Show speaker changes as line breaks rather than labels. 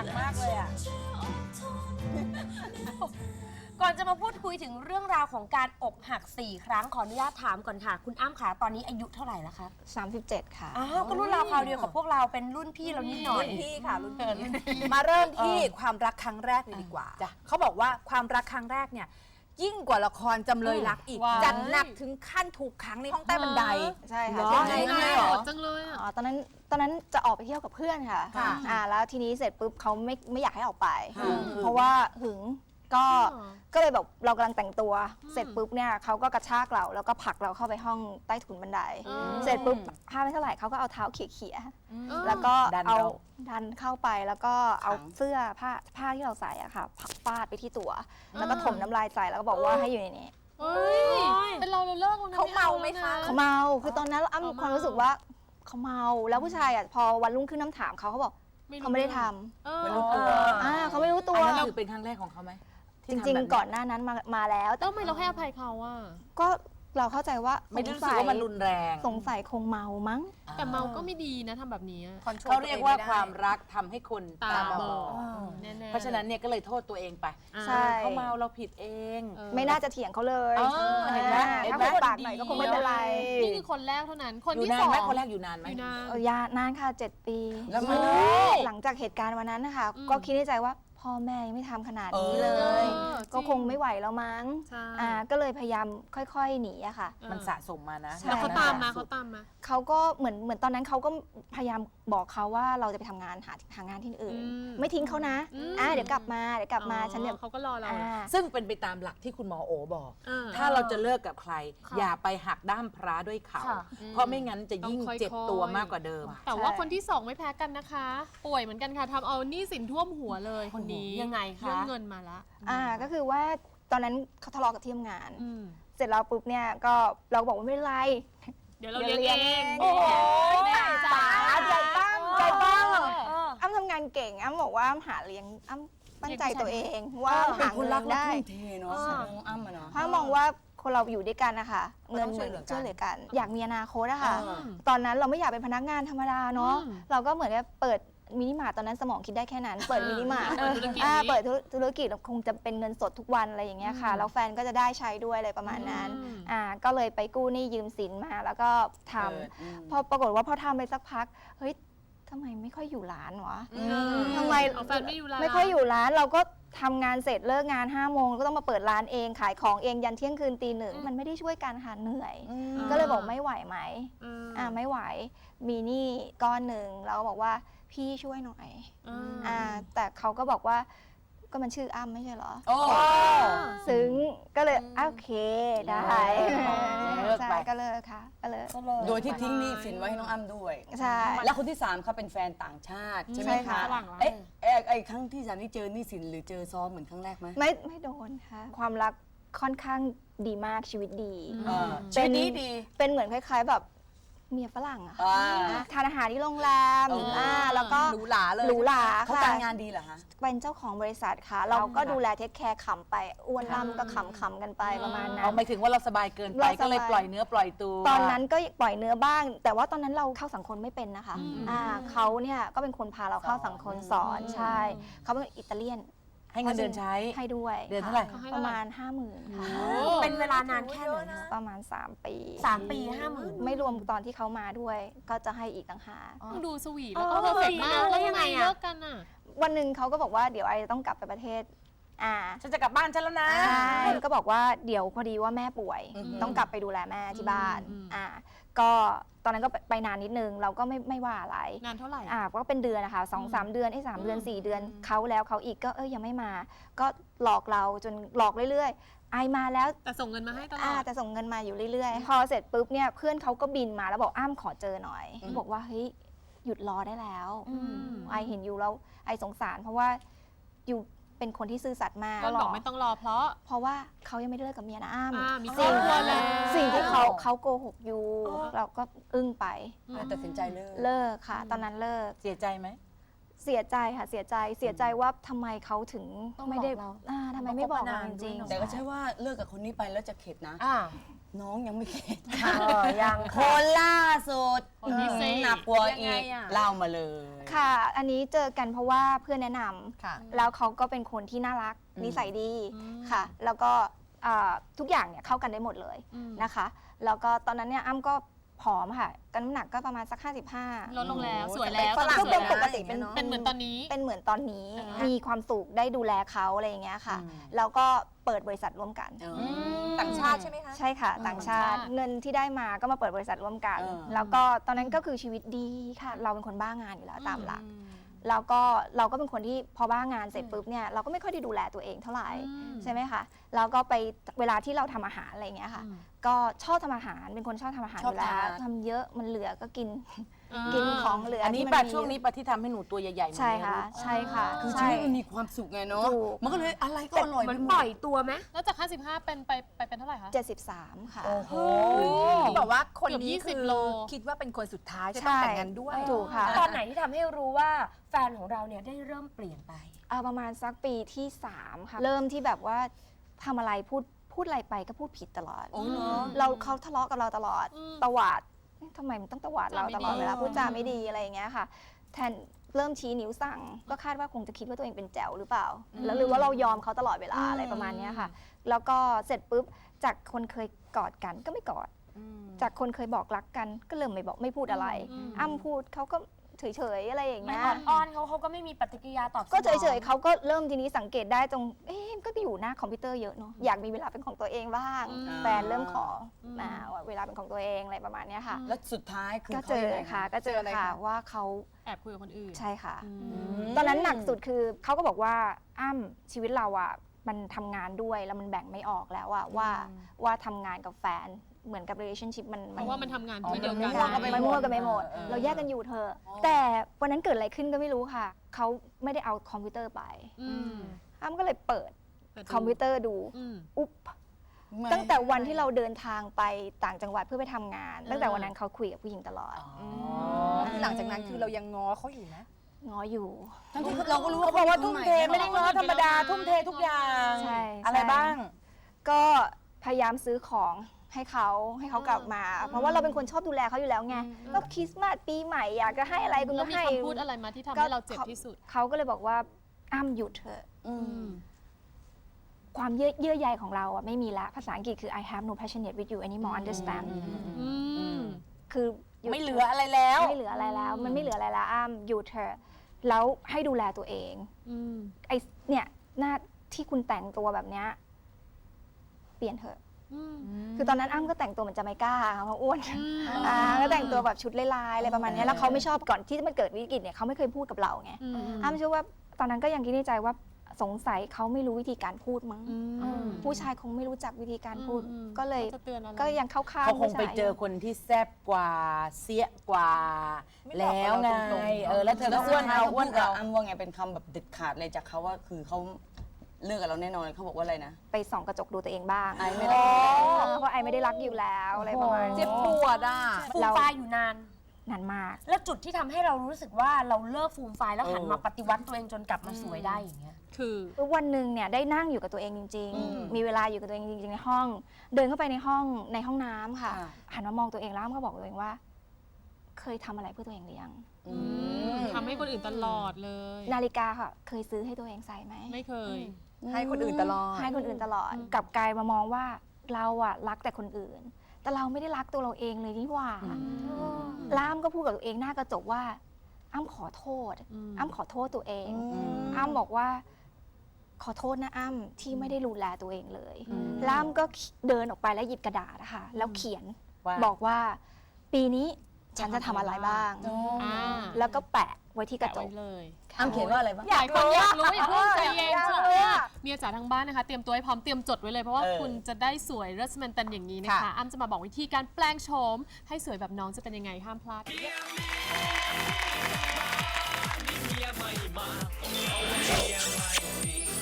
กมากเลยอ่ะก่อนจะมาพูดคุยถึงเรื่องราวของการอกหัก4 ครั้งขออนุญาตถามก่อนค่ะ คุณอ้ำค่ะตอนนี้อายุเท่าไหร่แล้วคะ
37 ค่ะ
อ้าวก็รุ่นราวคราวเดียวกับพวกเราเป็นรุ่นพี่เรานิดหน่อย
รุ่นพี่ค่ะรุ่นพี่มาเริ่มที่ความรักครั้งแรกเลยดีกว่าเขาบอกว่าความรักครั้งแรกเนี่ยยิ่งกว่าละครจำเลยรักอีกจัดหนักถึงขั้นถูกขังในห้องใต้บันได
ใช่ค่ะ
ยังไงหรอ
จังเลยอ่ะ
ตอนนั้นจะออกไปเที่ยวกับเพื่อนค่ะแล้วทีนี้เสร็จปุ๊บเขาไม่อยากให้ออกไป เพราะว่าหึงก็เลยแบบเรากำลังแต่งตัวเสร็จปุ๊บเนี่ยเขาก็กระชากเราแล้วก็ผลักเราเข้าไปห้องใต้ถุนบันไดเสร็จปุ๊บพาไม่เท่าไหร่เขาก็เอาเท้าเขี่ยแล้วก็เอาดันเข้าไปแล้วก็เอาเสื้อผ้าที่เราใส่อะค่ะฟาดไปที่ตัวแล้วก็ถมน้ำลายใส่แล้วก็บอกว่าให้อยู่ในนี้
เป็นเราเลิกแล้วนะ
เขาเมาไหมคะ
เขาเมาคือตอนนั้นอ้ำมีความรู้สึกว่าเขาเมาแล้วผู้ชายอะพอวันรุ่งขึ้นน้ำถามเขาบอกเขาไม่ได้ทำ
ไม่รู้ตัว
เขาไม่รู้ตัว
อันนั้นคือเป็นครั้งแรกของเขาไหม
จริงๆก่อนหน้านั้นมาแล้ว
แล้วทำไมเราให้อภัยเขาอ่ะ
ก็เราเข้าใจว่า
ไม่รู้สึกว่ามันรุนแรง
สงสัยคงเมามั้ง
แต่เมาก็ไม่ดีนะทำแบบนี้
เขาเรียกว่าความรักทำให้คน
ตา
ตา
บบ อ
อ
ด
ด
แน่ๆ
เพราะฉะนั้นเนี่ยก็เลยโทษตัวเองไป
ใช่
เขาเมาเราผิดเอง
ไม่น่าจะเถียงเขาเลย
เห็นไหม
ถ้าคนปากหน่อยก็คงไม่เป็นไร
นี่คือคนแรกเท่านั้น คน
อยู่
ที่
นา
ส
น
อง
ไหมคนแรกอยู่นานไหม
อยู่นาน
ยานานค่ะ7 ปี
แล้วมัน
หลังจากเหตุการณ์วันนั้นนะคะก็คิดในใจว่าพ่อแม่ยังไม่ทำขนาดนี้เลย ก็คงไม่ไหวแล้วมั้ง
ใช่
ก็เลยพยายามค่อยๆหนีอะค่ะ
มันสะสมมานะ
ใช่
แล้วเขาตามมาเขาตามมา
เขาก็เหมือนตอนนั้นเขาก็พยายามบอกเขาว่าเราจะไปทำงานหางานที่อื่น ไม่ทิ้งเขานะเดี๋ยวกลับมาฉันเดี๋ยว
เขาก็รอเรา
ซึ่งเป็นไปตามหลักที่คุณหมอโอบอก
อ่า
ถ้าเราจะเลิกกับใคร อย่าไปหักด้ามพระด้วยเขา
ค่ะ
เพราะไม่งั้นจะยิ่ง
ต้องค่อยๆ
เจ็บตัวมากกว่าเดิม
แต่ว่าคนที่สองไม่แพ้กันนะคะ ป่วยเหมือนกันค่ะทำเอาหนี้สินท่วมหัวเลยคนนี้
ยังไงคะ
เรื่องเงินมาละ
ก็คือว่าตอนนั้นเขาทะเลาะกับที่ทำงาน
อืม
เสร็จแล้วปุ๊บเนี่ยก็เราก็บอกว่าไม่เป็นไร
เดี๋ยวเราเลี้ยงเอง
โอ้โห
แม่จ๋า
ใจปั้มอ้ำทำงานเก่งอ้ำบอกว่าอ้ำหาเลี้ยงอ้ำตั้งใจตัวเองว่าหา
คุ
เงิ
ณรัก
น
และ
ได้
ทุ่มเทเนาะน้องอ้ำอะเนาะ
เพราะมองว่าคนเราอยู่ด้วยกันนะคะเงินเหมือนช่วยเหลือกัน อยากมีอนาคตอะค่ะตอนนั้นเราไม่อยากเป็นพนักงานธรรมดาเนาะเราก็เหมือนกับเปิดมินิมาร์ทตอนนั้นสมองคิดได้แค่นั้น เปิดมินิมาร์ทเปิดธุรกิจคงจะเป็นเงินสดทุกวันอะไรอย่างเงี้ยค่ะแล้วแฟนก็จะได้ใช้ด้วยอะไรประมาณนั้นก็เลยไปกู้หนี้ยืมสินมาแล้วก็ทำพอปรากฏว่าพอทำไปสักพักเฮ้ยทำไมไม่ค่อยอยู่ร้านวะทำไม
เอาแฟนไม่อยู่ร้าน
ไม่ค่อยอยู่ร้านเราก็ทำงานเสร็จเลิกงาน5 โมงก็ต้องมาเปิดร้านเองขายของเองยันเที่ยงคืนตี 1มันไม่ได้ช่วยกันค่ะเหนื่อยก็เลยบอกไม่ไหวไหมไม่ไหวมีหนี้ก้อนหนึ่งเราก็บอกว่าพี่ช่วยหน่อยแต่เขาก็บอกว่าก็มันชื่ออ้ำไม่ใช่เหรอซึ้งก็เลยโอเคได้ใช่ก็เลิกค่ะก็เลิก
โดยที่ทิ้งหนี้สินไว้ให้น้องอ้ำด้วย
ใช่
แล้วคนที่3เขาเป็นแฟนต่างชาติใช่ไหม
ใช่
คะ
ค่ะ
ไอ้ครั้งที่3นี่เจอหนี้สินหรือเจอซ้อมเหมือนครั้งแรกไหม
ไม่โดนค่ะความรักค่อนข้างดีมากชีวิตดี
ชีวิตนี้ดี
เป็นเหมือนคล้ายๆแบบเมียฝรั่งอะค่ะทานอาหารที่โรงแรมแล้วก็
หรูหราเลย
หรูหรา
เขา
ค่ะ
การงานดีเหรอคะ
เป็นเจ้าของบริษัทค่ะ เราก็ดูแลเทคแคร์ขำไปอ้วนล่ำก็ขำกันไปประมาณนั้
เอา
น
หมายถึงว่าเราสบายเกินไป
เราสบาย
ก็เลยปล่อยเนื้อปล่อยตัว
ตอนนั้นก็ปล่อยเนื้อบ้าง แต่ว่าตอนนั้นเราเข้าสังคมไม่เป็นนะคะเขาเนี่ยก็เป็นคนพาเราเข้าสังคมสอนใช่เขาเป็นอิตาเลียน
ให้เงินเดือนใช้
ให้ด้วย
เดือนเท่าไหร่
ประมาณ 50,000ค่ะ
เป็นเวลานานแค่ไหนนะ
ประมาณ3 ปี
3 ปี 50,000
ไม่รวมตอนที่เขามาด้วย ก็จะให้อีกต่างหาก
ดูสวีทแล้วก็เพอร์เฟกต์มากแล้วยังไงเลิกกันอ่ะ
วันหนึ่งเขาก็บอกว่าเดี๋ยวไอจะต้องกลับไปประเทศ
ฉันจะกลับบ้านฉันแล้วนะ
ใช่ก็บอกว่าเดี๋ยวพอดีว่าแม่ป่วย ต้องกลับไปดูแลแม่ที่บ้านก็ตอนนั้นก็ไปนานนิดนึงเราก็ไม่ว่าอะไร
นานเท่าไหร่
ก็เป็นเดือนนะคะ2-3 เดือน3 เดือน4 เดือนเขาแล้วเขาอีกก็ยังไม่มา ก็หลอกเราจนหลอกเรื่อยๆไอมาแล้ว
แต่ส่งเงินมาให้ตลอด
แต่ส่งเงินมาอยู่เรื่อยๆ พอเสร็จปุ๊บเนี่ยเพื่อนเขาก็บินมาแล้วบอกอ้ำขอเจอหน่อยบอกว่าเฮ้ยหยุดรอได้แล้วไอเห็นอยู่แล้วไอสงสารเพราะว่าอยู่เป็นคนที่ซื่อสัตย์มาก
ก็บอกไม่ต้องรอเพราะ
ว่าเขายังไม่ได้เลิกกับเมียนะอ้ำ
มีครอบครัวแล้ว
สิ่งที่เขาโกหกอยู่เราก็อึ้งไป
ตัดสินใจเลิก
เลิกค่ะ ตอนนั้นเลิก
เสียใจไหม
เสียใจค่ะเสียใจว่าทำไมเขาถึงไม่ได้ทำไมไม่บอกเราจริง
แต่ก็ใช่ว่าเลิกกับคนนี้ไปแล้วจะเข็ดนะน้องยังไม่เข็ด
ยัง
คนล่าสุด
คนที่สี่
หนักกว่า
ยังไง
อีก
อะ
เล่ามาเลย
ค่ะ อันนี้เจอกันเพราะว่าเพื่อนแนะน
ค่ะ
ำแล้วเขาก็เป็นคนที่น่ารักนิสัยดีค่ะ แล้วก็ทุกอย่างเนี่ยเข้ากันได้หมดเลยนะคะ แล้วก็ตอนนั้นเนี่ยอ้ำก็ผอมค่ะกันน้ำหนักก็ประมาณสัก 55
ลดลงแล้วสวยแล้ว
ฝรั่ง
สวย
เป็น
แล้ว
ปกติเป็น
เป็นเหมือนตอนนี้
เป็นเหมือนตอนนี้
อ่าฮะ
มีความสุขได้ดูแลเขาอะไรอย่างเงี้ยค่ะ แล้วก็เปิดบริษัทร่วมกัน
ต่างชาติใช่ไหมคะ
ใช่ค่ะ ต่างชาติ
ต่างชาติ
เงินที่ได้มาก็มาเปิดบริษัทร่วมกัน แล้วก็ตอนนั้นก็คือชีวิตดีค่ะ เราเป็นคนบ้างานอยู่แล้วตามหลัก แล้วก็เราก็เป็นคนที่พอบ้างานเสร็จปุ๊บเนี่ยเราก็ไม่ค่อยได้ดูแลตัวเองเท่าไหร่ใช่ไหมคะแล้วก็ไปเวลาที่เราทำอาหารอะไรอย่างเงี้ยค่ะ ก็ชอบทำอาหารเป็นคนชอบทำอาหารอยู่แล้วทำเยอะมันเหลือก็กินของเหลือ
อั
อั
นนี้ป่ะช่วงนี้ป่ะที่ทำให้หนูตัวใหญ่ๆเหมือน
ใช่
ใน
ค่ะ
รูป
ใช่ค่ะ
คือชี
ใช่
วิตมันมีความสุขไงเนาะ
ถูก
มันก็เลยอะไรก็อร่อย
เหมือน
ไปหม
ปล่อ
ด
ยตัวไหม
แล้วจาก 55 เป็นไปเป็นเท่าไหร่คะ
73 ค่ะ
โอ้โห
บอกว่าคนนี้
เกือบ
คือ
20โล
คิดว่าเป็นคนสุดท้ายจะ
ใช่
ต้องแต่งงานด้วย
ถูกค่ะ
ตอนไหนที่ทำให้รู้ว่าแฟนของเราเนี่ยได้เริ่มเปลี่ยนไป
ประมาณสักปีที่ 3 ค่ะ เริ่มที่แบบว่าทำอะไรพูดอะไรไปก็พูดผิดตลอด
โอ้เหรอ
เขาทะเลาะกับเราตลอดตวาดเอ๊ะทำไมมันต้องตวาดเราตลอดเวลาพูดจาไม่ดีอะไรอย่างเงี้ยค่ะ แทนเริ่มชี้นิ้วสั่ง ก็คาดว่าคงจะคิดว่าตัวเองเป็นแจ๋วหรือเปล่า แล้วหรือว่าเรายอมเขาตลอดเวลาอะไรประมาณเนี้ยค่ะ แล้วก็เสร็จปุ๊บจากคนเคยกอดกันก็ไม่กอด จากคนเคยบอกรักกันก็เริ่มไม่บอกไม่พูดอะไร อ้ำพูดเขาก็เฉยๆอะไรอย่าง
มัน
เงี้ย
อ่อนๆเขาก็ไม่มีปฏิกิริยาตอบสนอง
ก็เฉยๆเขาก็เริ่มทีนี้สังเกตได้ตรง ก็ไปอยู่หน้าคอมพิวเตอร์เยอะเนาะ อยากมีเวลาเป็นของตัวเองบ้าง แฟนเริ่มขอมาว่าเวลาเป็นของตัวเองอะไรประมาณเนี้ยค่ะ
แล้วสุดท้ายคือ
ก็เจอค่ะ ก็เจอค่ะว่าเขา
แอบคุยกับคนอื่น
ใช่ค่ะ
อืม
ตอนนั้นหนักสุดคือเขาก็บอกว่าอ้ำชีวิตเราอ่ะมันทำงานด้วยแล้วมันแบ่งไม่ออกแล้วอ่ะว่าทำงานกับแฟนเหมือนกับ relationship มัน
เพราะว่ามันทำงานที่เดียวกัน
มันมั่วกันไปหมด เราแยกกันอยู่เธอะแต่วันนั้นเกิดอะไรขึ้นก็ไม่รู้ค่ะ เขาไม่ได้เอาคอมพิวเตอร์ไป อ้ำก็เลยเปิดคอมพิวเตอร์ดู อุ๊บ ตั้งแต่วันที่เราเดินทางไปต่างจังหวัดเพื่อไปทำงาน ตั้งแต่วันนั้นเขาคุยกับผู้หญิงตลอด
หลังจากนั้นคือเรายังง้อเขาอยู่นะ
ง้ออยู่
ทั้งที่เราก็รู้
เขาบอกว่าทุ่มเทไม่ได้ง้อธรรมดาทุ่มเททุกอย่าง
ใช่
อะไรบ้าง
ก็พยายามซื้อของให้เขากลับมา เพราะว่าเราเป็นคนชอบดูแลเขาอยู่แล้วไงก็คริสต์มาสปีใหม่อยากจะให้อะไรคุณ
แล้
ก็
วมี
ให้
คำพูดอะไรมาที่ทำให้เราเจ็บที่สุด
เขาก็เลยบอกว่าอ้ำหยุดเถอะ ความเยื่อใยของเราอะไม่มีละภาษาอังกฤษคือ I have no passionate with you anymore understand คือยุด
ไม่เหลืออะไรแล้ว
ไม่เหลืออะไรแล้ว มันไม่เหลืออะไรแล้วอ้ำหยุดเถอะแล้วให้ดูแลตัวเองไอเนี่ยหน้าที่คุณแต่งตัวแบบเนี้ยเปลี่ยนเถอะคือตอนนั้นอ้ำก็แต่งตัวเหมือนจะไม่กล้าค่ะเพราะอ้วนก็แต่งตัวแบบชุดลายๆอะไรประมาณเนี้ยแล้วเขาไม่ชอบก่อนที่จะมาเกิดวิกฤตเนี่ยเขาไม่เคยพูดกับเราไงอ้ำเชื่อว่าตอนนั้นก็ยังคิดในใจว่าสงสัยเขาไม่รู้วิธีการพูดมั้งผู้ชายคงไม่รู้จักวิธีการพูด ก็เลย
จะเตือนอะไร
ก็ยังเข้าข้าง
เขาคง
ผู้ชาย
ไปเจอคนที่แซ่บกว่าเสียกว่า แล้วไงแล้วเธอก็อ้วนเอาอ้วน
กับ
เอา
อ้ำว่าไงเป็นคำแบบเด็ดขาดเลยจากเขาว่าคือเขาเลิกกับเราแน่นอนเขาบอกว่าอะไรนะ
ไปส่องกระจกดูตัวเองบ้าง
ไอไม่ได้
เพราะไอไม่ได้รักอยู่แล้วอะไรประมาณนี้
เจ็บปวดอ่ะ
ฟูมฟายอยู่นาน
นานมาก
แล้วจุดที่ทำให้เรารู้สึกว่าเราเลิกฟูมฟายแล้วหันมาปฏิวัติตัวเองจนกลับมาสวยได้อย่างเงี้ย
คือ
วันหนึ่งเนี่ยได้นั่งอยู่กับตัวเองจริง ๆ มีเวลาอยู่กับตัวเองจริงๆในห้อง เดินเข้าไปในห้องน้ำค่ะ หันมามองตัวเองแล้วก็บอกตัวเองว่า เคยทำอะไรเพื่อตัวเองหรือยัง
ทำให้คนอื่นตลอดเลย
นาฬิกาค่ะ เคยซื้อให้ตัวเองใส่ไหม
ไม่เคย
ให้คนอื่นตลอด
ให้คนอื่นตลอดกลับกลายมามองว่าเราอะรักแต่คนอื่น แต่เราไม่ได้รักตัวเราเองเลยนี่หว่าแล้วอ้ำก็พูดกับตัวเองหน้ากระจกว่าอ้ำขอโทษอ้ำขอโทษตัวเองอ้ำบอกว่าขอโทษนะอ้ำที่ไม่ได้ดูแลตัวเองเลยแล้วอ้ำก็เดินออกไปแล้วหยิบกระดาษนะคะแล้วเขียน
ว่า
บอกว่าปีนี้ฉันจะทำอะไรบ้าง แล้วก็แปะไว้ที่กระจก
แปะไว้เลย
อ้ำเขียนว่าอะไรบ้าง
หลายคนอยากรู้อย่าเพิ่งใจเย็นช่วงหน้าเมียจ๋าทางบ้านนะคะ เตรียมตัวให้พร้อมเตรียมจดไว้เลยเพราะว่าคุณจะได้สวยรัสมันตันอย่างนี้นะคะอ้ำจะมาบอกวิธีการแปลงโฉมให้สวยแบบน้องจะเป็นยังไงห้ามพลาด